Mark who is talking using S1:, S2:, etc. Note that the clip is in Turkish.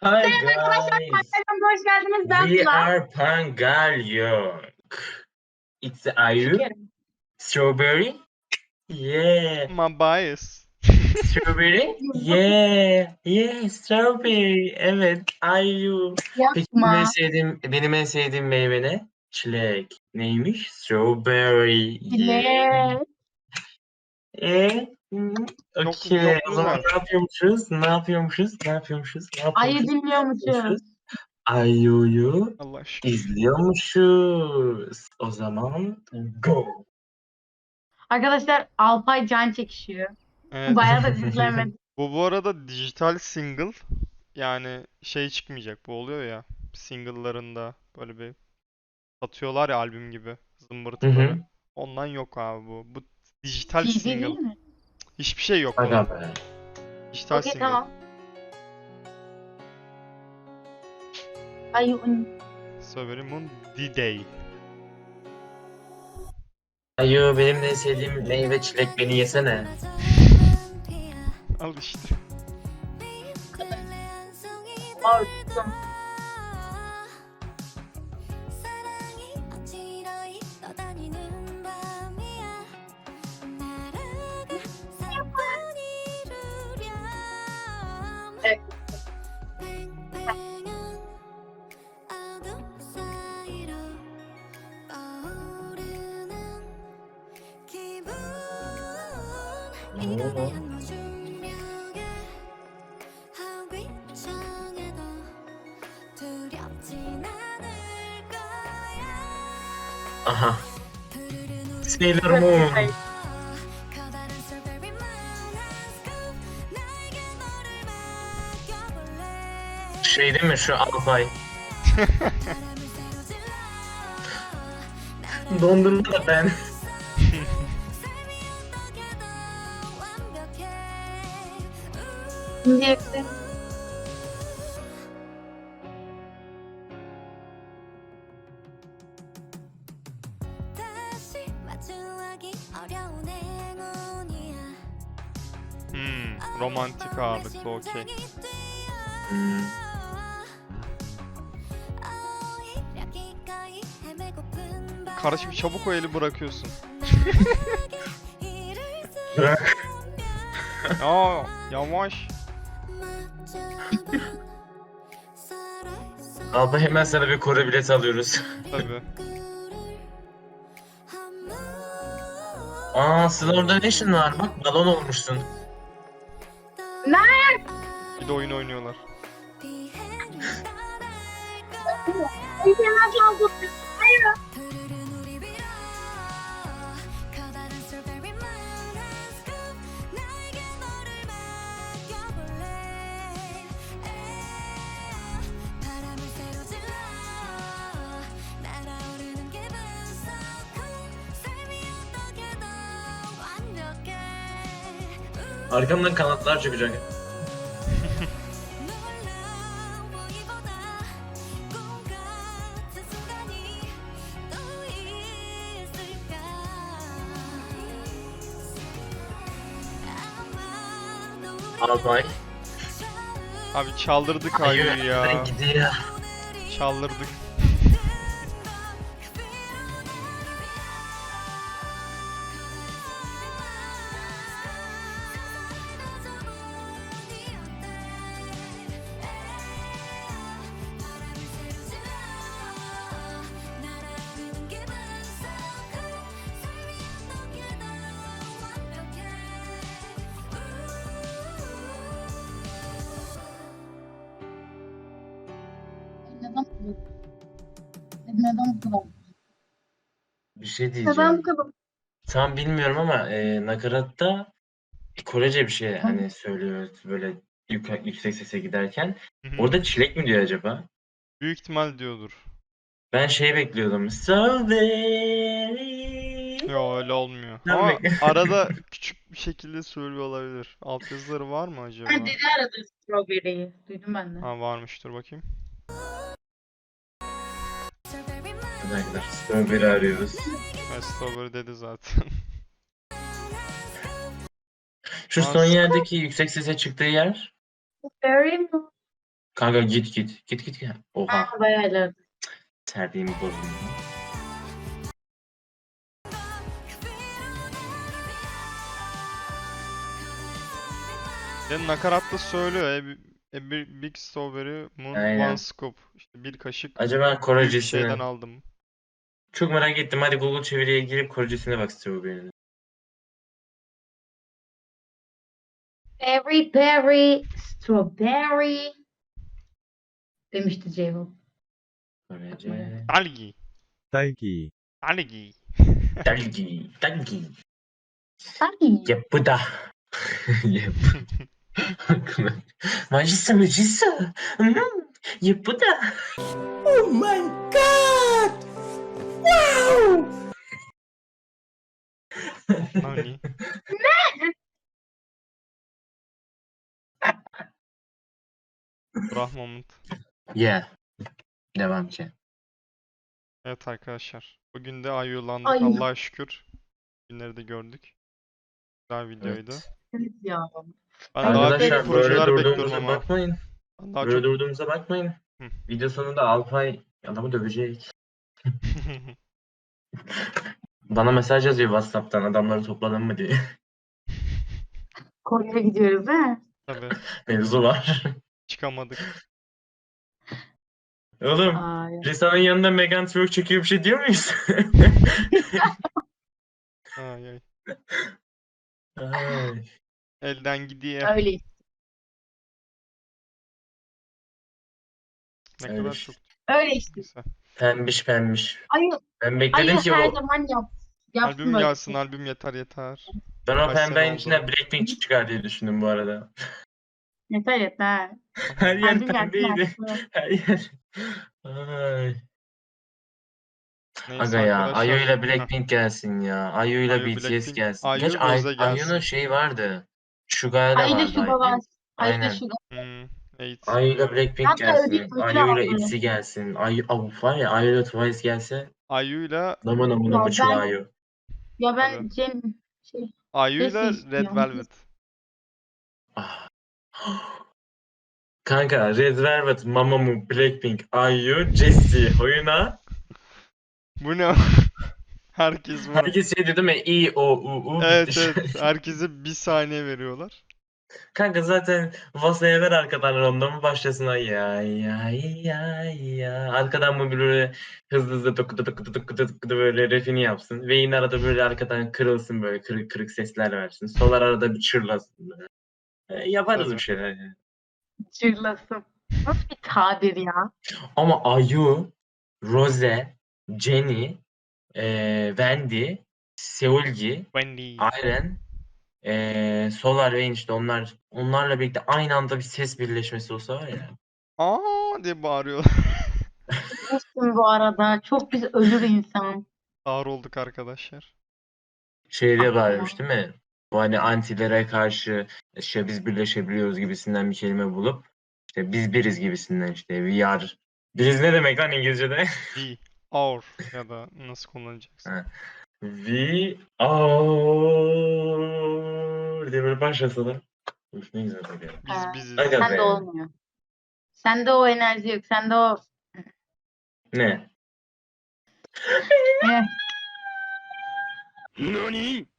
S1: Hi
S2: Selam arkadaşlar,
S1: guys,
S2: kanalıma hoş geldiniz. Ben
S1: we
S2: Sıla.
S1: are Pangalyong. It's Ayu,
S2: Şekerim.
S1: strawberry, yeah,
S3: My bias.
S1: strawberry, yeah, strawberry. Evet, Ayu. Peki
S2: Yapma.
S1: benim en sevdiğim meyve ne? Çilek. Neymiş? Strawberry, yeah.
S2: Bile.
S1: Hmm,
S3: Çok
S1: okey. O zaman
S3: güzel.
S1: ne yapıyormuşuz? Ne yapıyormuşuz? Ne yapıyormuşuz? Ne
S2: Ayı
S1: yapıyormuşuz?
S2: dinliyormuşuz.
S1: Ayu'yu
S3: Allah şükür.
S1: izliyormuşuz. O zaman go.
S2: Arkadaşlar Alpay can çekişiyor.
S3: Evet.
S2: Bayağı da izlemedim.
S3: Bu arada dijital single, yani şey çıkmayacak, bu oluyor ya single'larında böyle bir satıyorlar ya albüm gibi
S1: Hı
S3: zımbırtıları.
S1: hı.
S3: Ondan yok abi bu. Bu dijital
S2: CD değil
S3: single.
S2: mi?
S3: Hiçbir şey yok
S1: Aga
S3: bunun.
S1: be.
S3: Dijital
S2: Okey,
S3: single.
S2: tamam. Ayı.
S3: Strawberry Moon D-Day.
S1: Ayu benim de en sevdiğim meyve çilek, beni yesene.
S3: Al işte.
S2: Ortum. Evet.
S1: Oo. Aha. Sailor Moon.
S2: Hayır.
S1: Şey değil mi şu Alpay? Dondurma da ben.
S2: Şimdi yakın.
S3: Romantik ağırlıklı, okey.
S1: Hmm.
S3: Kardeşim çabuk o eli bırakıyorsun.
S1: Bırak.
S3: Aa, yavaş.
S1: Alpay hemen sana bir Kore bileti alıyoruz.
S3: Tabii.
S1: Aa, Sıla orada ne işin var? Bak balon olmuşsun.
S2: Ne?
S3: Bir de oyun oynuyorlar.
S2: Bir fena çaldı. Hayır.
S1: Arkamdan kanatlar çıkacak. Alpay.
S3: Abi çaldırdık
S1: Ayu
S3: Ayu'yu ya.
S1: ben gidiyor.
S3: Çaldırdık.
S2: Neden bu kadar?
S1: Bir şey
S2: Neden bu
S1: diyeceğim.
S2: kadar?
S1: Tam bilmiyorum ama nakaratta Korece bir şey hani söylüyor böyle yüksek sese giderken.
S3: Hı hı.
S1: Orada çilek mi diyor acaba?
S3: Büyük ihtimal diyordur.
S1: Ben şey bekliyordum. Strawberry.
S3: Yo, öyle olmuyor.
S1: Ben
S3: Ama
S1: bekliyorum.
S3: arada küçük bir şekilde söylüyor olabilir. Altyazıları var mı
S2: Ha,
S3: acaba?
S2: dedi arada strawberry'yi. Duydum ben de.
S3: Ha, varmıştır, bakayım.
S1: Arkadaşlar Strawberry arıyoruz.
S3: Strawberry dedi zaten.
S1: Şu
S3: Aa,
S1: son yerdeki yüksek sese çıktığı yer.
S2: Strawberry mi?
S1: Kanka git git. Git git. Oha.
S2: Ben bayağı ilerledim.
S1: Terbiğimi bozdum.
S3: Ve nakaratta söylüyor. A big strawberry moon
S1: Aynen.
S3: one scoop. İşte bir kaşık
S1: Acaba
S3: büyük şeyden
S1: Korecisini.
S3: aldım.
S1: Çok merak ettim. Hadi Google çeviriye girip Korecisine bak Strawberry'nin.
S2: Berry, berry, strawberry. Demişti Ceyhun.
S1: Korece.
S3: Algi.
S4: 딸기,
S3: Algi.
S1: Dalgi. Dalgi.
S2: Sanki.
S1: Yapıda. Yap. Majisa majisa. Yapıda.
S4: Oh my god! Wow!
S3: Nani? Brah moment.
S1: Yeah. Devam ki.
S3: Evet arkadaşlar. Bugün de ayılandık
S2: Ay.
S3: Allah'a şükür. Günleri de gördük. Güzel videoydu.
S1: Evet.
S2: Evet ya.
S3: Ben
S2: Ay,
S3: daha büyük
S1: Arkadaşlar böyle
S3: projeler bekliyorum
S1: durduğumuza
S3: ama.
S1: bakmayın.
S3: Ben daha
S1: Böyle
S3: çok...
S1: durduğumuza bakmayın.
S3: Hı.
S1: Video sonunda Alpay adamı dövecek. Bana mesaj yazıyor WhatsApp'tan adamları topladın mı diye.
S2: Kore'ye gidiyoruz he.
S3: Tabii.
S1: Mevzu var.
S3: Çıkamadık.
S1: Oğlum
S2: Ay.
S1: Risa'nın yanında Megan Twerk çekiyor bir şey diyor muyuz?
S3: Ay ay.
S1: Ay.
S3: Elden gidiyor.
S2: Öyle.
S3: Ne
S1: Öyle
S3: kadar
S1: işte.
S3: çok
S2: Öyle işte.
S3: güzel.
S1: Pembiş pembiş.
S2: Ayı,
S1: Ben bekledim
S2: ayı
S1: ki
S2: her
S1: o
S2: zaman yapsın
S3: Albüm
S2: böyle.
S3: gelsin, albüm yeter yeter.
S1: ben o
S3: Kaç sene
S1: pembenin
S3: oldu?
S1: içinden Blackpink çıkar diye düşündüm bu arada.
S2: Yeter yeter.
S1: Her yer
S2: Albüm gelsin
S1: pembeydi.
S2: artık.
S1: Her yer. Ay.
S3: Neyse
S1: Aga ya
S3: arkadaşlar.
S1: Ayu ile
S3: Heh,
S1: Blackpink gelsin ya. Ayu ile
S3: Ayu,
S1: BTS
S3: Blackpink,
S1: gelsin.
S3: Ayu,
S1: Geç
S3: Rose
S1: Ayu'nun
S3: gelsin.
S1: şeyi vardı. Suga'da da
S2: Ayı da
S1: vardı
S2: şu var.
S1: Ayu.
S2: Ayı da
S1: Aynen.
S2: şu.
S3: Evet,
S1: Ayu ile
S3: biliyorum.
S1: Blackpink
S2: Hatta
S1: gelsin.
S2: ödül
S1: Ayu ile
S2: aldı.
S1: ITZY gelsin. Ayu var ya Ayu ile Twice gelse.
S3: Ayu'yla
S1: Namı namı namı
S2: Ya
S1: çuva
S2: ben
S1: Ayu.
S2: ya ben
S3: tabii.
S2: şey
S3: Ayu'yla
S2: Jessie
S3: Red
S2: istiyorum.
S3: Velvet.
S1: Ah. Kanka Red Velvet, Mamamoo, Blackpink, Ayu, Jessie oyuna.
S3: Bu ne? Herkes buna.
S1: Herkes şey dedi mi? İ, O, U, U
S3: Evet
S1: bitti.
S3: evet. Herkese bir saniye veriyorlar.
S1: Kanka zaten Vasa'ya ver arkadan ronda başlasın ay ya ya ya ya. Arkadan mı böyle hızlı hızlı tıkıdı tıkıdı tıkıdı tıkıdı böyle refini yapsın. Ve yine arada böyle arkadan kırılsın böyle kırık kırık sesler versin. Solar arada bir çırlasın böyle. Yaparız
S3: Tabii.
S1: bir şeyler yani.
S2: Çırlasın. Nasıl bir tabir ya?
S1: Ama Ayu, Rose, Jennie, Wendy, Seulgi,
S3: Wendy.
S1: Ayren, Solar Rain işte onlarla birlikte aynı anda bir ses birleşmesi olsa var ya.
S3: Aa diye bağırıyorlar.
S2: Bilirsin bu arada. Çok biz ölür insan.
S3: Ağır olduk arkadaşlar.
S1: Şey diye
S2: Aklıma.
S1: bağırmış değil mi? Bu hani antilere karşı işte biz birleşebiliyoruz gibisinden bir kelime bulup işte biz biriz gibisinden işte we are. Biriz ne demek lan İngilizce'de?
S3: We. Our. Ya da nasıl kullanacaksın?
S1: Ha. We are diye böyle başlasalar. Üf, ne güzel olur ya.
S3: Biz
S2: Ha,
S3: biziz.
S1: Aga
S2: Sende
S1: be.
S2: olmuyor. Sende o enerji yok. Sende o
S1: Ne?
S2: eh,
S4: NANI?